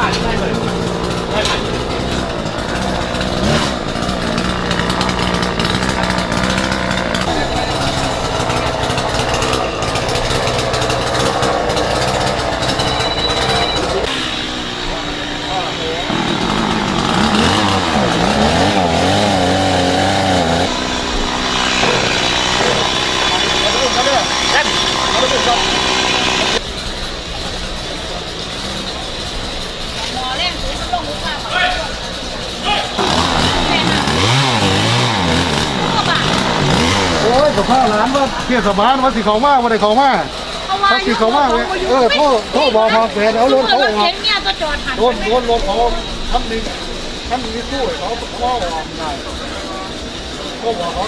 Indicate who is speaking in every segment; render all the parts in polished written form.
Speaker 1: กับข้าวร้านว่าเที่ยสบานว่าสิเขามากว่าได้เขามากเขาสิเขามากเลยโทษบอกพอแฟนเอารถเขาออกโดนรถเขาทำดีสู้เขาออกได้ก็บอกเขา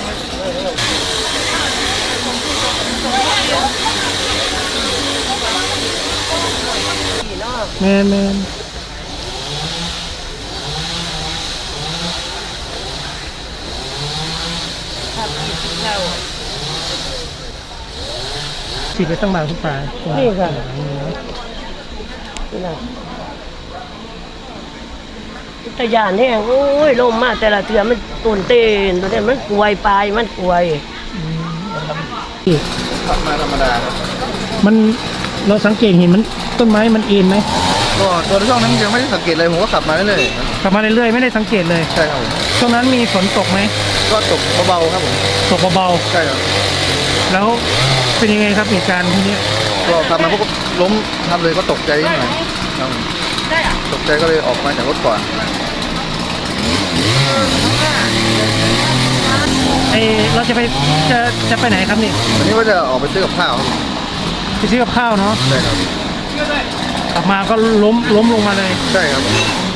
Speaker 1: แมนฉีดไปตั้งบางทุกปลานี่ค่ะนี่นะตะยานแห้งโอ้ยลมมากแต่ละเทือมันตุนเต้นตัวนี้มันกวยปลายมันกวยขับมาธรรมดาครับมันเราสังเกตเห็นมันต้นไม้มันเอ็นไหมก็ตัวช่วงนั้นยังไม่ได้สังเกตเลยผมก็ขับมาเรื่อยๆขับมาเรื่อยๆไม่ได้สังเกตเลยใช่ครับช่วงนั้นมีฝนตกไหมก็ตกเบาๆครับผมตกเบาๆใช่ครับแล้วเป็นยังไงครับเหตุการณ์ที่นี้ก็ขับมาพวกล้มทำเลยก็ตกใจนิดหน่อยตกใจก็เลยออกมาจากรถก่อนเราจะไปไหนครับนี่วันนี้ว่าจะออกไปซื้อกับข้าวไปซื้อกับข้าวเนาะใช่ครับกลับมาก็ล้มลงมาเลยใช่ครับ